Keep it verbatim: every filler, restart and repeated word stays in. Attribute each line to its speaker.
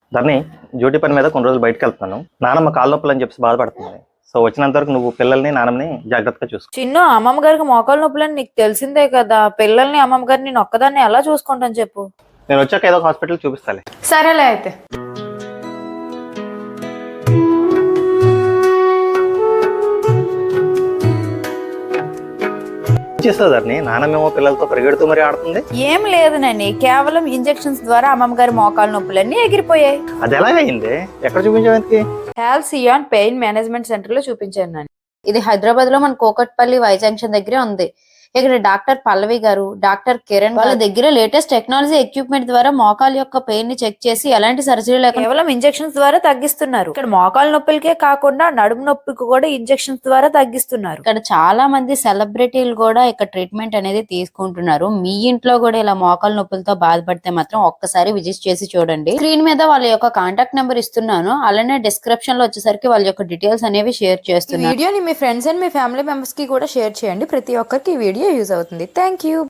Speaker 1: ధరణి, duty పని మీద కొన్ని రోజులు బయటకు వెళ్తున్నాను. నానమ్మ కాళ్ళ నొప్పులు అని చెప్పి బాధపడుతుంది. సో వచ్చినంత వరకు నువ్వు పిల్లల్ని నాన్నని జాగ్రత్తగా చూసుకో.
Speaker 2: చిన్ను, అమ్మమ్మ గారికి మోకాలు నొప్పులని నీకు తెలిసిందే కదా. పిల్లల్ని అమ్మమ్మ గారిని నేను ఒక్కదాన్ని ఎలా చూసుకుంటాను చెప్పు.
Speaker 1: నేను వచ్చాక ఏదో ఒక హాస్పిటల్ చూపిస్తాలే.
Speaker 2: సరేలే అయితే.
Speaker 1: చేస్తావు ధరణి, నాన్నమేమో పిల్లలతో పరిగెడుతూ మరీ ఆడుతుంది.
Speaker 2: ఏం లేదు నాని, కేవలం ఇంజెక్షన్స్ ద్వారా అమ్మమ్మ గారి మోకాలు నొప్పులన్నీ ఎగిరిపోయాయి.
Speaker 1: అది ఎలాగైంది? ఎక్కడ చూపించావు?
Speaker 2: హాల్సియాన్ పెయిన్ మేనేజ్మెంట్ సెంటర్ లో చూపించాను నాని. ఇది హైదరాబాద్ లో మన కోకట్పల్లి వై జంక్షన్ దగ్గరే ఉంది. ఇక్కడ డాక్టర్ పల్లవి గారు, డాక్టర్ కిరణ్ వాళ్ళ దగ్గర లేటెస్ట్ టెక్నాలజీ ఎక్విప్మెంట్ ద్వారా మోకాల యొక్క పెయిన్ ని చెక్ చేసి ఎలాంటి సర్జరీ లేకుండా కేవలం ఇంజెక్షన్స్ ద్వారా తగ్గిస్తున్నారు. ఇక్కడ మోకాల నొప్పులకే కాకుండా నడుము నొప్పికి కూడా ఇంజెక్షన్స్ ద్వారా తగ్గిస్తున్నారు. ఇక్కడ చాలా మంది సెలబ్రిటీలు కూడా ఇక్కడ ట్రీట్మెంట్ అనేది తీసుకుంటున్నారు. మీ ఇంట్లో కూడా ఇలా మోకాల నొప్పులతో బాధపడితే మాత్రం ఒక్కసారి విజిట్ చేసి చూడండి. స్క్రీన్ మీద వాళ్ళ యొక్క కాంటాక్ట్ నెంబర్ ఇస్తున్నాను. అలానే డిస్క్రిప్షన్ లో వచ్చేసరికి వాళ్ళ యొక్క డీటెయిల్స్ అనేవి షేర్ చేస్తున్నాను. వీడియోని మీ ఫ్రెండ్స్ అండ్ మీ ఫ్యామిలీ మెంబర్స్ కి కూడా షేర్ చేయండి. ప్రతి ఒక్కరికి ఈ వీడియో యూజ్ అవుతుంది. Thank you.